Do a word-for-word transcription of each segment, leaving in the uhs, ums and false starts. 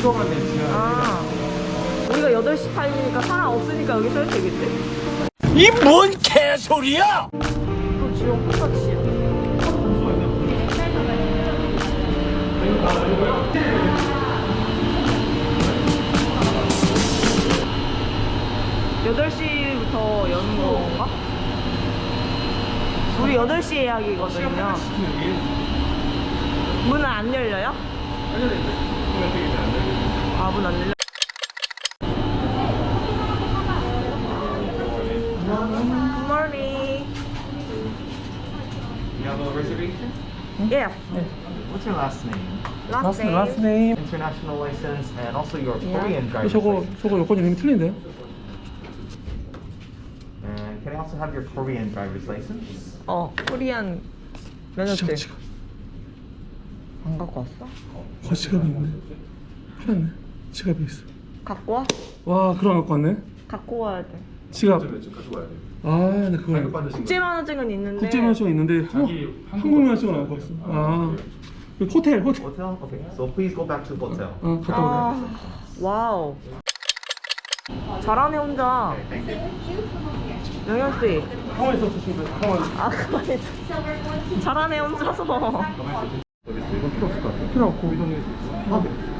주소가 되시면 아, 우리가 여덟 시 타임이니까 사람 없으니까 여기 서야 되겠지? 이 뭔 개소리야! 또 지역 똑같이야. 여덟 시부터 여는 건가? 우리 여덟 시 예약이거든요. 문은 안 열려요? 아, 문 안 열려? Good morning. You have a reservation? Yeah. What's your last name? Last name. last name. International license and also your Yeah. Korean driver's 저거 license. 저거 여권 이름이 틀린데? And can I also have your Korean driver's license? 어, 코리안 면허증. 지갑. 안 갖고 왔어? 어, 지갑이 있네. 큰일 났네. 지갑이 있어. 갖고 와? 와, 그럼 갖고 왔네. 갖고 와야 돼. 지갑. 가지고 와야 돼. 아, 나 그거 국제 면허증은 있는데. 국제 면허증 있는데 한, 한국 면허증은 안 갖고 왔어. 아, 여기 호텔, 호텔. Hotel? Okay. So please go back to hotel. 어, 갔다 오래. 아, 와우. 잘하네 혼자. 영현 씨. 가만히 있었어, 지금. 가만히. 아, 그만해. 잘하네 혼자서. 이건 필요 없을 것 같아. 필요 없고. 아,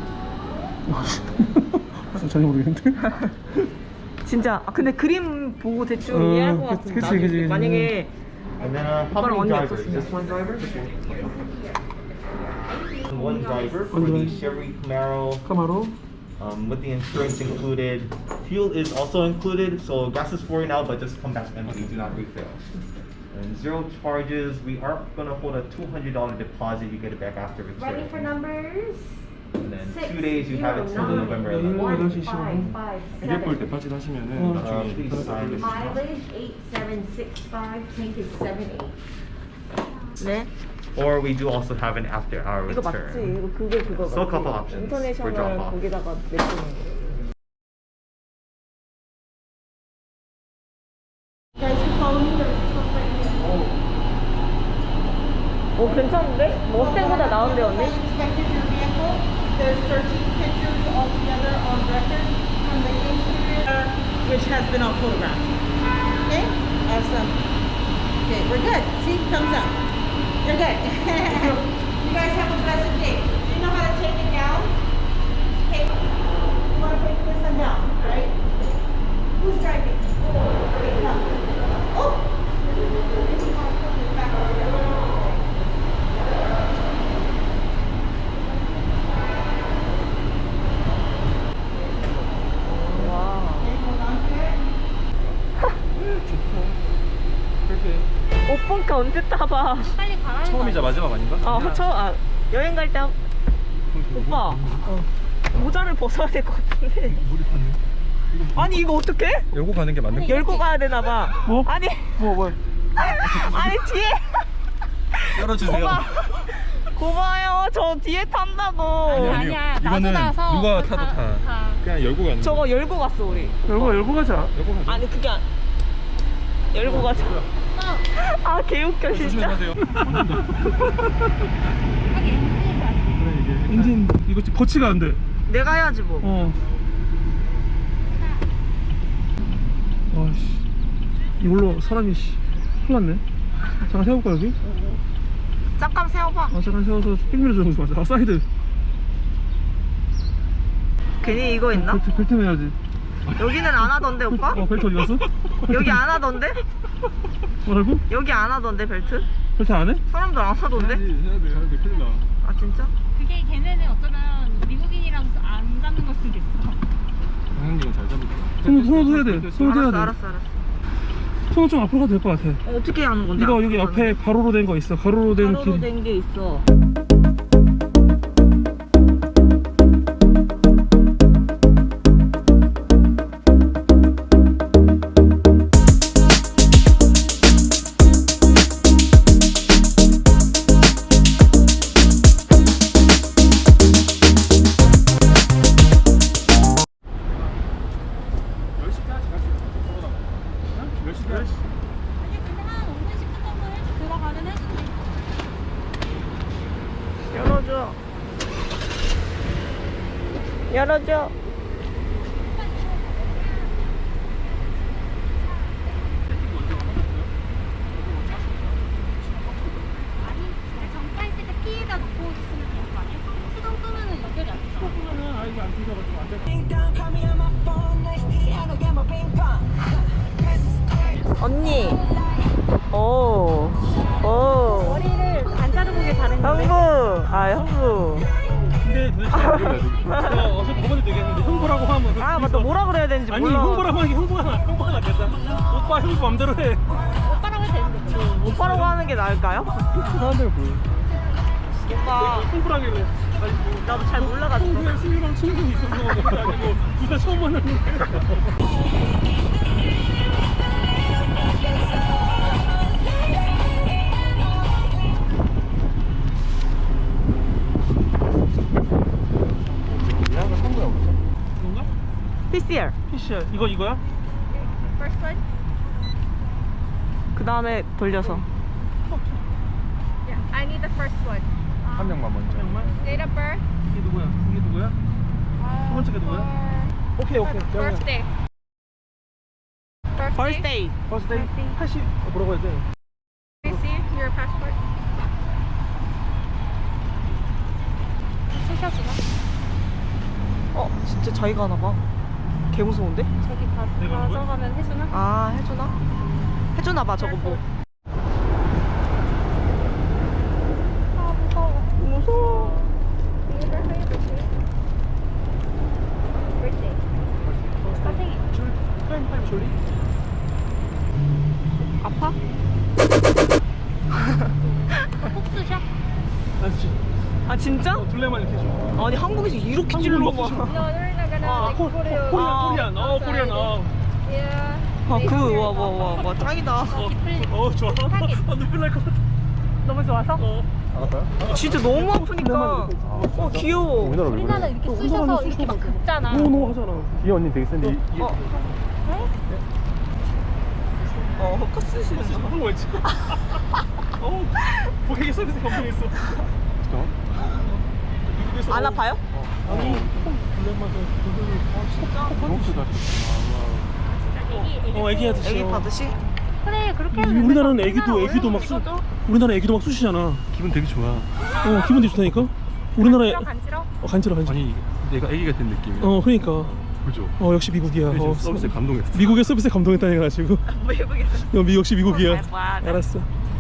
네. 전혀 모르겠는데. 진짜. 아, 근데 그림 보고 대충 어, 이해할 것 그치, 같은데. 그치, 나중에 그치. 만약에 And then uh, how 오빠랑 many 언니 drivers? 없었으면. Just one driver? One driver for One the driver. Chevy Camaro. 카마로. Um, with the insurance included, fuel is also included. So gas is for you now, but just come back empty. Do not refill. And zero charges. We are gonna hold a two hundred dollar deposit. You get it back after return. Ready for numbers? And then Six, two days you have it till zero, November nine, eleventh. one, 여덟 시 five, 십오 분. five, 이게 볼 seven. 데파짓 하시면은 어. Uh, 나중에 please sign this. Mileage eight seven six five, tank is seven eight. 네. Or we do also have an after hour 이거 맞지? return. 이거 그게 그거 So a couple 맞지? options for 인터내셔널 drop off. 거기다가 내주는 거. Guys, you follow me, there's a truck right here. 어, 괜찮은데? 머스탱보다 나은데 언니? Inspected your vehicle. There's thirteen pictures altogether on record from the interior, which has been on photograph. Okay, awesome. Okay, we're good. See, thumbs up. You're good. You guys have a blessed day. Do you know how to take it down? Okay. You want to take this one down, right? Who's driving? Okay, come. Oh! Back over there. 와. Okay, hold on to it. 오빠가 언제 타봐? 처음이자 마지막 아닌가? 어, 저, 아, 여행 갈 때. 오빠. 어. 모자를 벗어야 될 것 같은데. 아니, 이거 어떡해? 열고 가는 게 맞는 거? 열고 가야 되나봐. 뭐? 아니. 뭐, 뭐. 아니, 뒤에. 열어주세요. 오빠. 고마워요. 저 뒤에 탄다고. 아니야. 이거는 누가 타도 다. 그냥 열고 가는 거. 저거 열고 갔어, 우리. 열고, 열고 가자. 열고 가죠. 아니, 그게 안. 열고 가자. 아, 개웃겨, 진짜. 조심하세요. 엔진, 이거 거치가 안 돼. 내가 해야지, 뭐. 어. 아씨. 이걸로 사람이 씨. 큰일 났네. 잠깐 세워볼까, 여기? 잠깐 세워봐. 아, 잠깐 세워서 삥 밀어주는 거 맞아. 아, 사이드. 괜히 이거 있나? 벨트, 벨트 매야지. 여기는 안 하던데, 오빠? 어, 벨트 어디 갔어? 여기 안 하던데? 뭐라고? 여기 안 하던데, 벨트? 벨트 안 해? 사람들 안 하던데? 해야 돼, 해야 돼. 큰일 나. 아, 진짜? 그게 걔네는 어쩌면 미국인이라서 안 잡는 걸 수도 있어. 강현님은 잘 잡을 거야. 손, 손도 해야 돼. 손도 해야 알았어, 돼. 알았어, 알았어. 손은 좀 앞으로 가도 될 것 같아. 어, 어떻게 하는 건데? 이거 여기 옆에 가로로 된 거 있어. 가로로 된 가로로 길. 된 게 있어. 아니 근데 한 오 분 십 분 정도 일찍 들어가긴 해주지. 열어줘. 아니 정가 있을 때 피에다 놓고 있으면 되는 거 아니야? 수동 끄면은 연결이 안 돼. 그러면은 아 이거 안 뜯어가지고 안 돼. 언니. 오. 오. 머리를 안 자르고 게 다른 형부. 아, 형부. 근데 도대체 내가 어서 저번에 얘기했는데 형부라고 하면 아, 맞다. 뭐라 그래야 되는지 아니 몰라. 형부라고 하는 게 형부가 나 형부가 낫겠다. 오빠 형부 맘대로 해. 오빠라고 해도 되는데. 오빠라고 하는 게 나을까요? 사람들 뭐 오빠. 형부라길래 아니 뭐 나도 잘 몰라가지고. 평소에 승유랑 친분이 있어서 그런 게 아니고 둘 다 처음 만났는데. 뭔가? 피씨알. 피시야 이거 이거야? First one? 그 다음에 돌려서. Yeah, I need the first one. 한 명만 먼저. 정말? Date of birth? 이게 누구야? 이게 누구야? 두 번째가 누구야? 오케이 오케이. Birthday. Birthday. 버스데이 팔십 어, 뭐라고 해야 돼? Can I see your passport? 쓰셔주나? 어, 진짜 자기가 하나 봐. 개 무서운데? 저기 가, 내가 한 거야? 가져가면 해주나? 아, 해주나? 해주나 봐, 저거 뭐. 아 무서워. 무서워. Date of birth? Birthday. 아 생일. 줄 타임 타임 졸리? 아파? 폭스샷? 알지? 아, 진짜? 어, 둘레만 이렇게 줘. 아니, 한국에서 이렇게 찔러 한국으로 봐. 먹고 No, they're not gonna 아, like 코, put it. 코리안 아. 코리안 어 코리안 어. Yeah. 아, They 그, don't 와, care. 와, 와, 와, 짱이다. 어, 기쁠- 어 좋아. 타겟. 아 눈물 날 것 같아. 너무 좋아서? 어. 알았어요? 진짜 너무 아프니까. 어, 귀여워. 우리나라 왜 우리나라 그래? 이렇게 쑤셔서 이렇게 막 긁잖아. 노노 하잖아. 이 언니 되게 센데 이, 이 어. 어, 헛컷쓰시는 진짜 거. 한거 있지. 어, 고객 서비스 감동했어. 미국에서 안 아파요? 아니, 블랙만 아 진짜. 그렇구나. 애기, 애기. 어, 애기 하듯이. 애기 받으시? 그래, 그렇게 하면 음, 우리나라는 된다. 애기도 우리나라 애기도 막 원래 쑤. 이거죠? 우리나라 애기도 막 쑤시잖아. 기분 되게 좋아. 어, 기분 되게 좋다니까. 우리나라에 간지러, 간지러? 어, 간지러 간지러. 아니 내가 애기가 된 느낌이야. 어, 그러니까. 그죠? 어, 역시 미국이야. 그래서 어, 서비스에 감동했어. 미국의 서비스에 감동했다니까 가지고. 외국에서. 어, 미 역시 미국이야. 잘 봐. 알았어.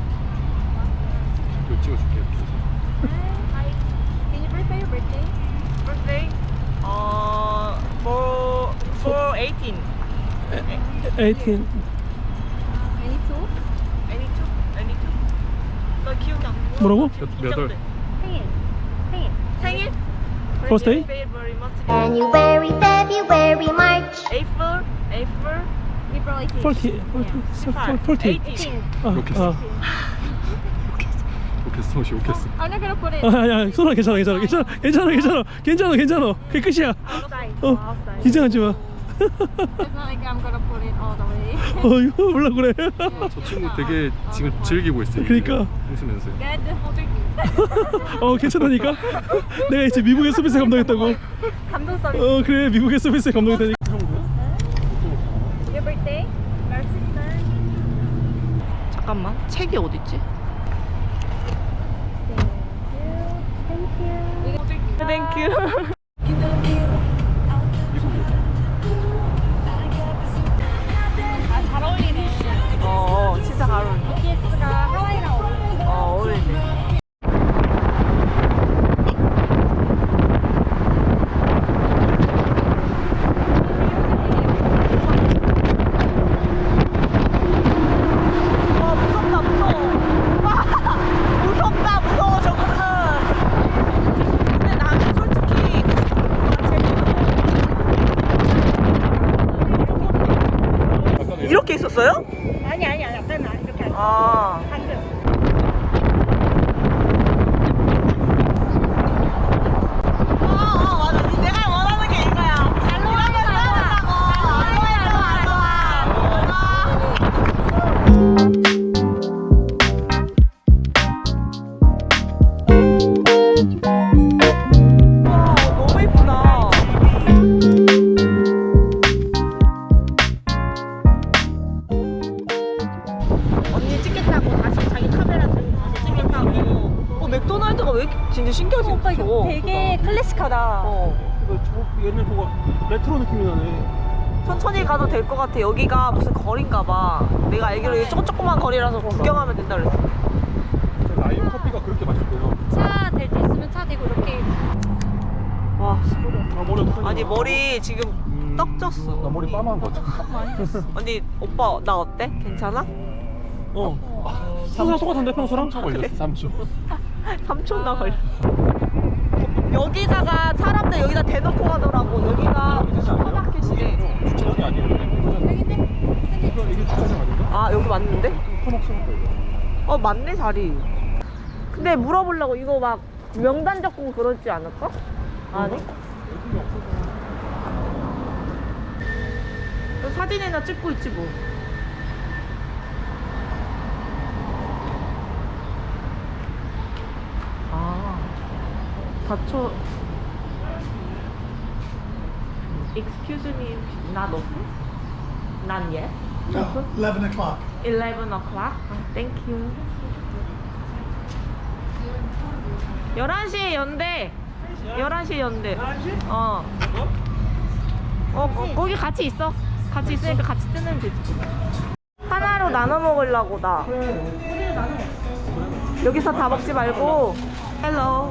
이거 찍어줄게. Hi. Can you birthday your birthday? birthday? 어, for, for eighteen. eighteen. Any two? Any two? Any two? 나 기억이 안 나. 뭐라고? 몇 월? 생일. 생일. 생일? Birthday? February, March, January, February, March. April, April, April eighteenth. forty. 십팔, forty. eighteen. 아, 욕했어. 아. 욕했어. 혹시 욕했어. I'm not gonna put it 아, 아니야, 소라 괜찮아, 괜찮아, 괜찮아, 괜찮아, 괜찮아, 괜찮아, 괜찮아. 그게 끝이야. outside. 어, outside. 긴장하지 마. It's not like I'm gonna put it all the way. 어, 이거 몰라 그래. 저 친구 되게 지금 즐기고 있어. 그러니까. 웃으면서. Good. 어, 괜찮다니까. 내가 이제 미국의 서비스에 감동했다고. 감동 서비스. 어, 그래, 미국의 서비스에 감동했다니까. Your birthday? Our sister. 잠깐만, 책이 어딨지? Thank you. 땡큐. 아, 잘 어울리네. 어, 진짜 잘 어울린다. 비티에스가 하와이랑 어울리네. 어, 어울리네. 와, 무섭다, 무서워. 와, 무섭다, 무서워, 저거는. 근데 나는 솔직히 이렇게 있었어요? 아니, 아니, 아니. 앞에는 안 이렇게 안 써. 아. 반대. 아, 아, 맞아. 이 내가 원하는 게 이거야. 이러면 싸운다고. 알로에, 알로에, 알로에. 와, 너무 예쁘다. 클래식하다. 어. 이거 저 옛날 그거 레트로 느낌이 나네. 천천히 가도 될 것 같아. 여기가 무슨 거리인가 봐. 내가 알기로 이게 조금 조그만 거리라서 구경하면 된다 그랬어. 라이온 커피가 그렇게 맛있대요. 차 될 때 있으면 차 대고 이렇게. 와, 아, 머리 어떡하냐. 아니 머리 지금 음, 떡 졌어. 나 머리 빠마한 거 같아. 언니 오빠 나 어때? 괜찮아? 어. 평소랑 똑같은데 평소랑? 삼 초 걸렸어. 삼 초. 삼 초 나 걸려. 여기다가 사람들 여기다 대놓고 가더라고. 여기가 슈퍼마켓이래. 주차장이 아니에요. 이거 이게 주차장 아닌가? 아 여기 맞는데? 커넥션 거예요. 어 맞네 자리. 근데 물어보려고 이거 막 명단 적고 그러지 않을까? 아니? 너 사진이나 찍고 있지 뭐. 아 다쳐. Excuse me, not open? Not yet? Open? eleven o'clock. eleven o'clock? Thank you. 열한 시에 연대. 열한 시에 연대. 어. 어, 거, 거기 같이 있어. 같이 있으니까 같이 뜨면 되지. 하나로 나눠 먹으려고 나. 여기서 다 먹지 말고. 헬로.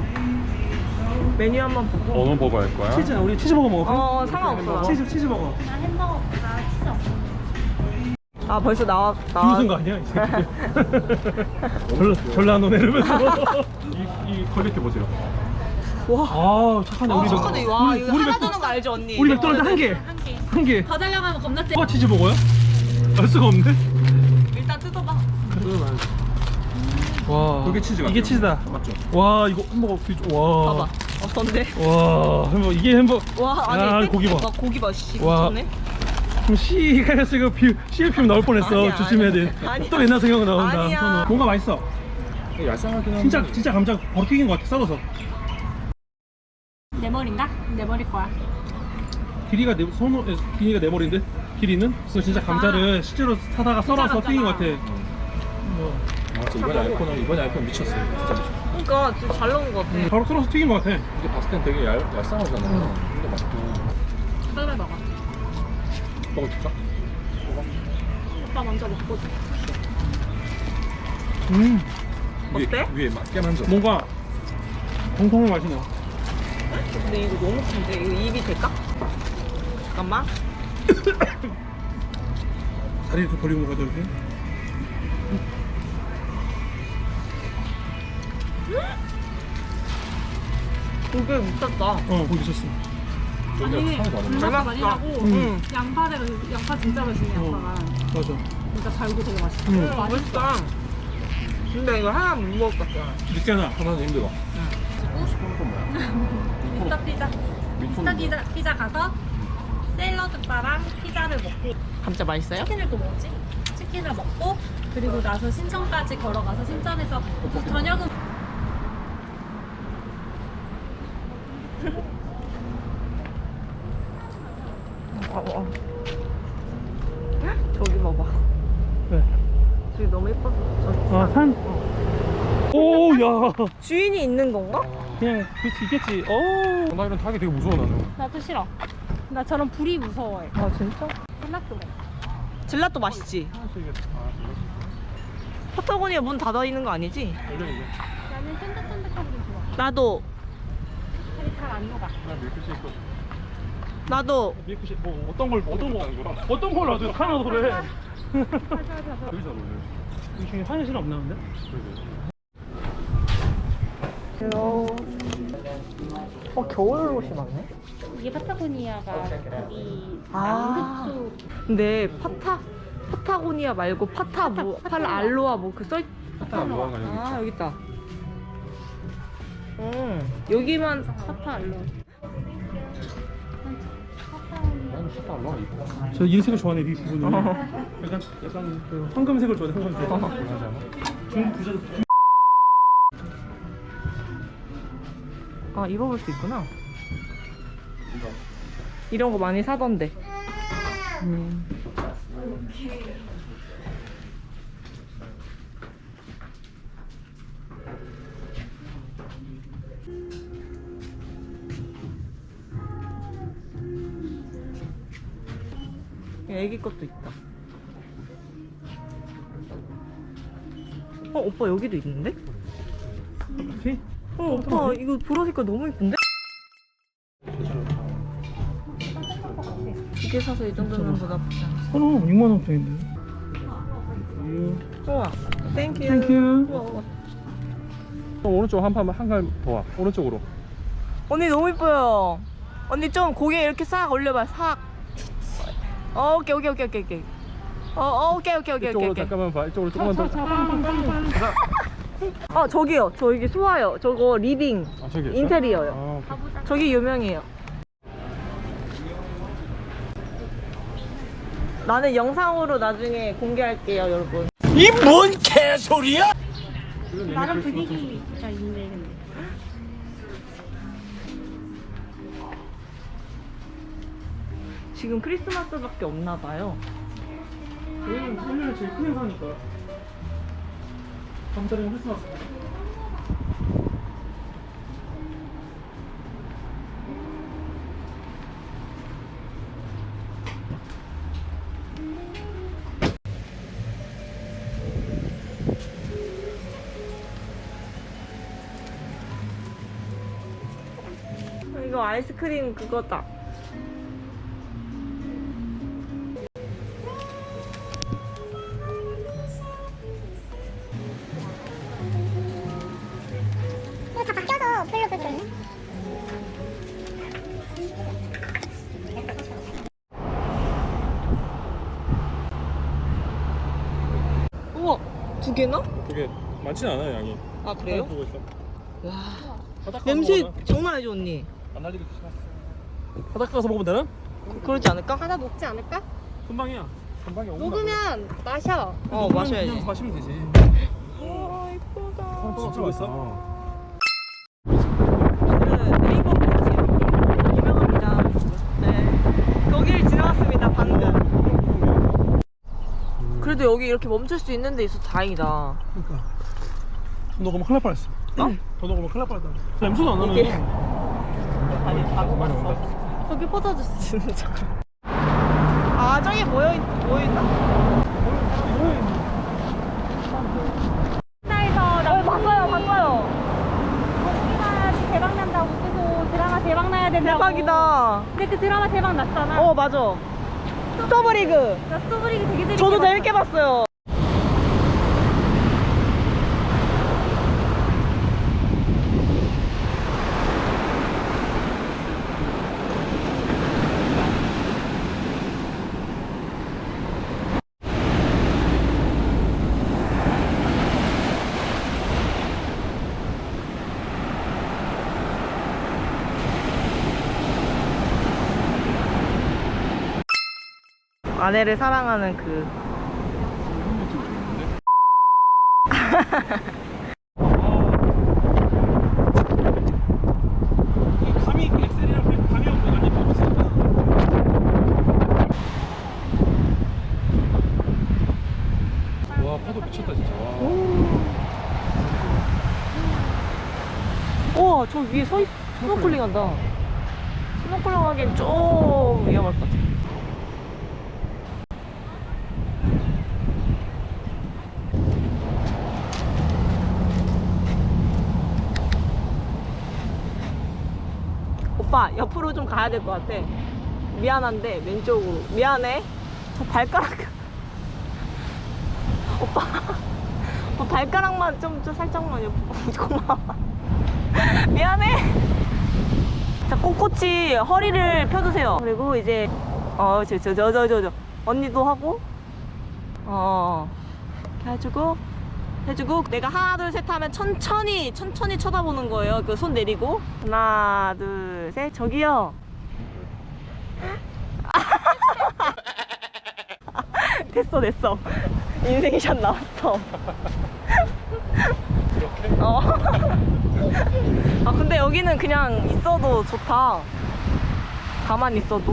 메뉴 한번 보고. 어느 버거 할 거야? 치즈, 우리 치즈버거 먹을까? 어, 상관없어. 치즈, 치즈버거. 나 햄버거보다 치즈 없는. 아, 벌써 나와. 나와. 비웃은 거 아니야? 이 새끼. 졸라, 졸라 안 오네 이러면서. 이, 이 퀄리티 보세요. 와. 아, 착하네. 아, 우리 착하네. 맥- 와, 우리- 이거 우리 하나 맥도- 주는 거 알죠, 언니? 우리 맥도날드 한 개. 한 개. 한 개. 더 달라고 하면 겁나 째. 어, 치즈버거야? 알 수가 없네. 일단 뜯어봐. 와. 그게 치즈 이게 같아요. 치즈다. 맞죠? 와, 이거 햄버거 비주. 와. 봐봐. 어떤데? 와, 햄버거 이게 햄버거. 와, 아니, 야, 땡- 고기 봐. 와, 고기 봐, 씨. 와. 미쳤네. 그럼 씨가 지금 비 씨엘 피면 나올 뻔했어. 아니야, 조심해야 아니야. 돼. 아니야. 또 옛날 생각 나온다. 아니야. 선우. 뭔가 맛있어. 얄쌍하긴 한데. 진짜 진짜 감자 바로 튀긴 것 같아. 썰어서. 내 머리인가? 내 머리 거야. 길이가 내 손으로 길이가 내 머리인데 길이는 그래서 진짜 감자를 실제로 사다가 썰어서 튀긴 것 같아. 뭐, 아, 진짜 이번에 아이폰은 이번에 아이폰 미쳤어요. 진짜 미쳤어. 그러니까 진짜 잘 나온 것 같아. 바로 썰어서 튀긴 것 같아. 이게 봤을 땐 되게 얄, 얄쌍하잖아. 근데 맛있고. 썰어 먹어. 먹어줄까? 오빠 먼저 먹고 줘. 음, 위에, 어때? 위에 맞게 만져. 뭔가 정통의 맛이 나. 근데 이거 너무 큰데? 이거 입이 될까? 잠깐만. 다리 이렇게 벌리고 먹어야 되지. 고기 미쳤다. 어, 거기 있었어. 아니, 상이 다르네. 불맛 맛있다. 많이라고 응. 양파대가 양파 진짜 맛있네 어, 양파가. 맞아. 진짜 달고 되게 맛있어. 응. 맛있다. 근데 이거 하나 못 먹을 것 같아. 늦잖아. 하나는 힘들어. 미스터 피자. 미스터 피자 피자 가서 샐러드 바랑 피자를 먹고 감자 맛있어요? 치킨을 또 먹지. 치킨을 먹고 그리고 나서 신천까지 걸어가서 신천에서 저녁은 어, 어. 저기 봐봐. 네. 저기 너무 예뻐. 저기 아, 산. 오, 야. 주인이 있는 건가? 그냥 그치 있겠지. 오. 나 이런 타기 되게 무서워 나는. 나도 싫어. 나 저런 불이 무서워해. 아 진짜? 젤라또 먹어. 젤라또 맛있지? 파타고니아 문 닫아 있는 거 아니지? 나는 쫀득쫀득한 게 좋아. 나도 살이 잘 안 녹아. 나도 미역국이 뭐 어떤 걸 어떤 거 어떤 걸 놔줘 하나 그래. 맞아 맞아. 여기 잘 어울려. 이 중에 화장실 없나 근데? 헬로. 어 겨울 옷이 많네. 이게 파타고니아가 거기 아. 남극 근데 파타 파타고니아 말고 파타 뭐 파타, 팔 파타고니아. 알로아 뭐 그 써. 있... 파타 알로아가 여기 아 있죠. 여기 있다. 음 여기만 파타 알로. 나는 파타 알로아 이뻐. 저 이 색을 좋아하네 이 부분은. 약간 약간 그 황금색을 좋아해 황금색. 하지 않아? 중국 부자. 아 입어볼 수 있구나. 이런 거 많이 사던데. 음. 애기 것도 있다. 어 오빠 여기도 있는데? 오케이. 어 오빠 이거 보라 색깔 너무 예쁜데? 두 개 사서 이 정도면 뭐 나쁘지 않아. 어, 육만 원짜리인데. 우와 땡큐. 땡큐. 우와, 우와. 오른쪽 한 판만 한칸더 와. 오른쪽으로. 언니 너무 예뻐요. 언니 좀 고개 이렇게 싹 올려봐 싹. 어, 오케이 오케이 오케이 오케이 오케이. 어, 어 오케이 오케이 오케이 이쪽으로 오케이. 잠깐만 봐. 이쪽으로 조금만 더. 어 저기요 저기 소화요. 저거 리빙 아, 저기 있어? 인테리어요. 아, 오케이. 저기 유명해요. 나는 영상으로 나중에 공개할게요 여러분. 이 뭔 개소리야? 나름 분위기가 있네 근데. 지금 크리스마스밖에 없나 봐요. 여기는 설명이 제일 큰 행사니까. 감자랑 크리스마스. 이거 아이스크림 그거다. 이거 다 바뀌어서 별로 그렇네. 우와 두 개나? 그게 많지는 않아요 양이. 아 그래요? 보고 있어. 와 바닥 가서 냄새 먹어나? 장난 아니죠 언니? 안 날리게 조심하세요. 바닥 가서 먹으면 되나? 그러지 않을까? 하나 먹지 않을까? 금방이야. 금방이야. 녹으면 마셔. 어 마셔야지. 그냥 마시면 되지. 와 이쁘다. 진짜 맛있어. 오늘은 네이버 브릿지 유명합니다. 네 여기를 지나갔습니다 방금. 그래도 여기 이렇게 멈출 수 있는 데 있어서 다행이다. 그러니까. 더 녹으면 큰일 날 뻔했어. 어? 더 녹으면 큰일 날 뻔했다. 냄새도 안 이게- 나네. 아니 다 먹었어. 저기 포도주스 진짜. 아 저기 모여 있 모여 있다. 나에서 나 어 봤어요 봤어요. 드라마 대박 난다고 계속 드라마 대박 나야 된다고. 대박이다. 근데 그 드라마 대박 났잖아. 어 맞아. 스토브리그. 나 스토브리그 되게 재밌게 저도 봤어. 재밌게 봤어요. 아내를 사랑하는 그 감이 엑셀이랑 그렇게 감이 없는 아니 없으니까. 와 파도 미쳤다 진짜. 와. 우와 저 위에 서 있, 스노클링 한다. 스노클링 하기엔 좀 위험할 것 같아. 오빠 옆으로 좀 가야 될 것 같아. 미안한데 왼쪽으로. 미안해. 저 발가락. 오빠. 오빠 발가락만 좀, 좀 살짝만 옆으로. 고마워. 미안해. 자 꼿꼿이 허리를 펴주세요. 그리고 이제 어 저 저 저 저 저 저 언니도 하고 어 이렇게 해주고 해주고 내가 하나 둘 셋 하면 천천히 천천히 쳐다보는 거예요. 그 손 내리고 하나 둘 셋 저기요. 됐어 됐어. 인생샷 나왔어. 어. 아 근데 여기는 그냥 있어도 좋다. 가만히 있어도.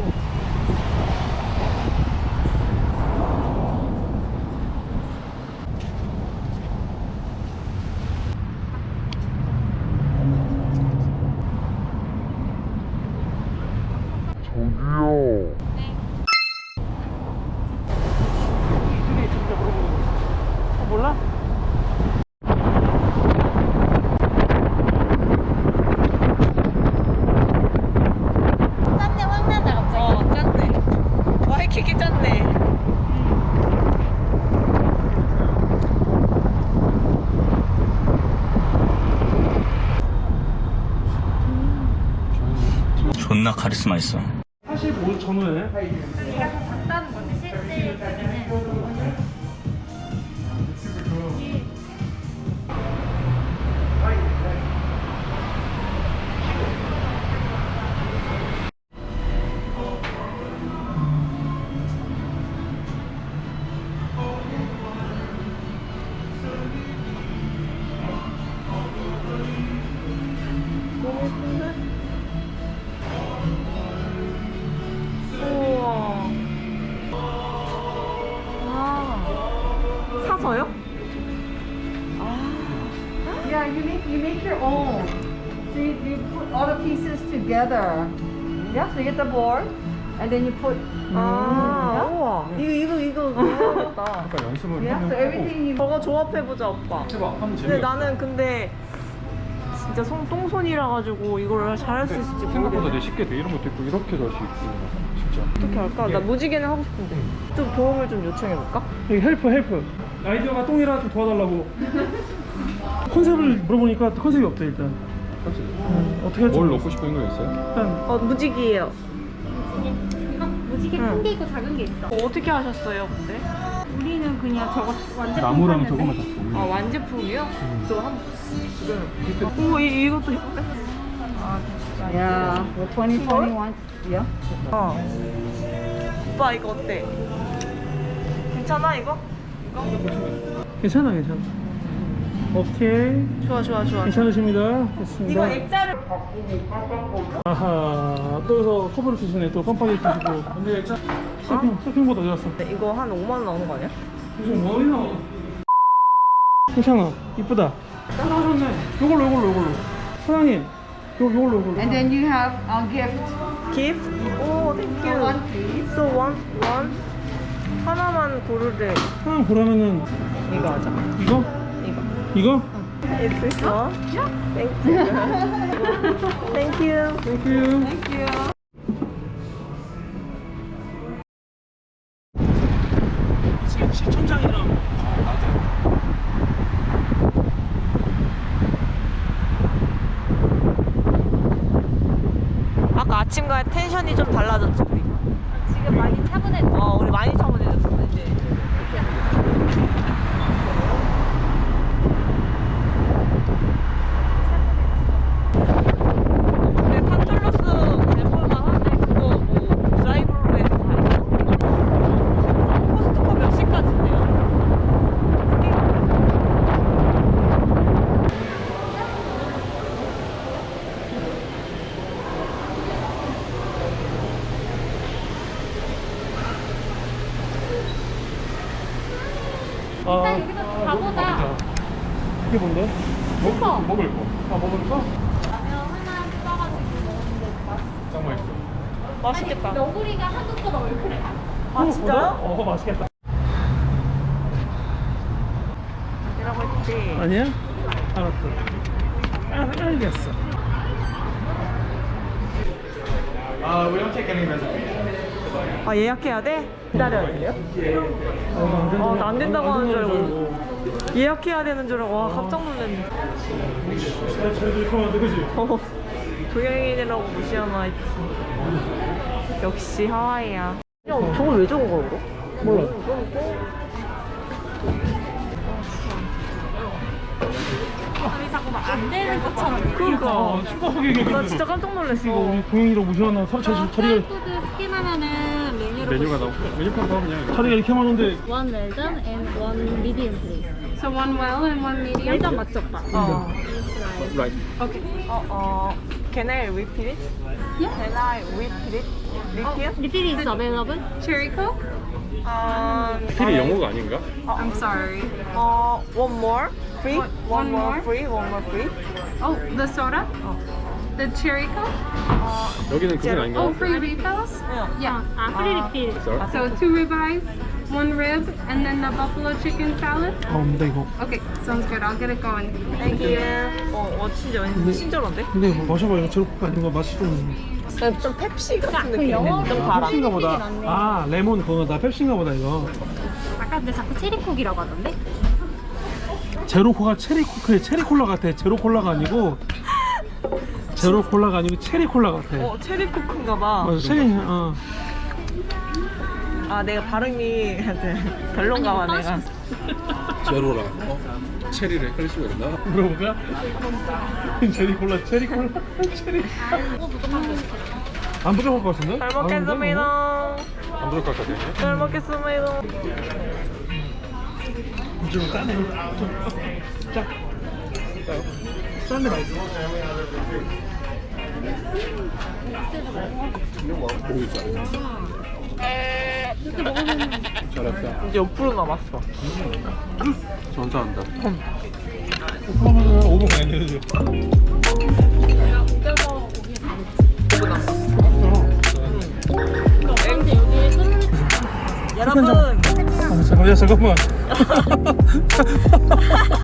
존나 카리스마 있어. 사십오 전후에 얘가 더 작다는 거지 실제 크기는. 우와. 아, 사서요? Yeah, you make you make your own. So you, you put all the pieces together. Yeah, so you get the board, and then you put. 아, 우와. 이거, 이거, 이거, 해야겠다. 약간 연습을 Yeah, so everything you. 저거 조합해보자, 오빠. 해봐. 하면 근데 재미가 나는 근데 진짜 손, 똥손이라 가지고 이걸 잘할 수 있을지 생각보다 모르겠네. 내 쉽게 돼. 이런 것도 있고 이렇게도 할 수 있고 진짜. 어떻게 할까? 나 무지개는 하고 싶은데. 좀 도움을 좀 요청해볼까? 여기 헬프 헬프. 아이디어가 똥이라 좀 도와달라고. 컨셉을 물어보니까 컨셉이 없대 일단. 음, 어떻게 할지 뭘 모르겠어. 넣고 싶은 거 있어요? 일단 어, 무지개예요. 이거 무지개 응. 큰 게 있고 작은 게 있어. 어, 어떻게 하셨어요, 근데? 우리는 그냥 저거 완전 나무랑 저거만 다. 아, 완제품이요? 저 한, 지금. 오, 이, 이것도 예쁜데? Yeah, the twenty twenty-one. Yeah. 어. 오빠, 이거 어때? 괜찮아, 이거? 괜찮아 괜찮아. 오케이. 좋아, 좋아, 좋아. 괜찮으십니다. 됐습니다. 이거 액자를. 아하 또 여기서 커버를 주시네. 또 깜빡이 주시고. 근데 액자 쇼핑 쇼핑보다 어디 갔어? 이거 한 오만 원 나오는 거 아니야? 무슨 머리 나와. 괜찮아. 이쁘다. 따라하셨네. 요걸로 요걸로 요걸로. 사장님. 요 요걸로 요걸로. And then you have a gift. gift? 오, thank you. One please. So one, one. 하나만 고르래. 하나 보라면은 이거 하자. 이거? 이거. 이거? Is this one? Yeah. Thank you. Thank you. 땡큐. Thank you. 지금 시천장이랑 아까 아침과 텐션이 좀 달라졌지, 우리. 지금 많이 차분해. 어, 우리 많이 차분해졌어, 이제. 근데 판툴로스 해볼만 한데, 그거 뭐, 드라이브로 해서 가야 코스트코 몇 시까지인데요? 아, 일단 여기서 가보자. 이게 뭔데? 슈퍼. 먹을 거. 아 먹을 거? 라면 하나 떠가지고 먹는데 맛있어. 짱 맛있어. 맛있겠다. 너구리가 한국보다 얼큰해. 아, 진짜요? 어, 맛있겠다. 이라고 했지. 아니야? 알았어. 아, 알겠어. Uh, we don't take any reservations. 아, 예약해야 돼? 기다려야 돼요? 어, 나 안 된다고 하는 줄 알고. 예약해야 되는 줄 알고. 와, 깜짝 놀랐네. 잘 들어가는데 그지? 어, 동양인이라고 무시하나 했지. 역시 하와이야. 야, 저걸 왜 적은 거야, 이거? 몰라. 아니 자꾸 막 안 되는 것처럼. 그니까. 슈퍼하게 얘기해. 나 진짜 깜짝 놀랐어. 이거 우리 동영이라고 무시하나? 사- 자, 자, 자리가 코드 스캔하면은 메뉴로 메뉴가 나오고 메뉴판 나오면 자리가 이렇게 많은데 one well done and one medium please. So one well and one medium. 일단 맞죠, 오빠? 어. 라이트. Okay. 어, 어. Can I repeat it? Yeah. Can I repeat it? Repeat? Repeat is available. Cherry Coke. Um, 필이 영어가 아닌가? I'm sorry. 어, one more free? One- One one more more? free? One more free? Oh, the soda. The cherry Coke. 여기는 그건 아닌가? Oh, free refills. 응. Yeah. Ah, free refill. Sorry? So two ribeyes, one rib, and then the buffalo chicken salad. 아 없는데 이거. Okay, sounds good. I'll get it going. Thank you. 어, 어 진짜 왠지 친절한데? 근데 이거 마셔봐. 이거 제로코카 아닌 거 맛이 좀. 좀 펩시 같은 느낌. 영어로 좀 달아. 펩시인가 보다. 아 레몬 그거다. 펩시인가 보다 이거. 아까 근데 자꾸 체리콕이라고 하던데? 제로코가 체리코크의 체리콜라 같아. 제로콜라가 아니고 제로 콜라가 아니고 체리 콜라 같아. 어 체리 코크인가 봐. 맞아, 체리. 어. 아 내가 발음이 별론가 봐 내가. 제로랑 어? 체리를 헷갈릴 수가 있나? 물어볼까? 체리 콜라, 체리 콜라, 체리. 안 부족할 것 같은데? 잘 먹겠습니다. 안 들어갈 것 같아. 잘 먹겠습니다. 좀 짜네. 좀 짜. 짠데 맛있어. 고기 짜. 잘했다. 이제 오 퍼센트 남았어. 전사한다. 그러면은 오 분 가야 되죠. 여러분. 잠깐만, 잠깐만.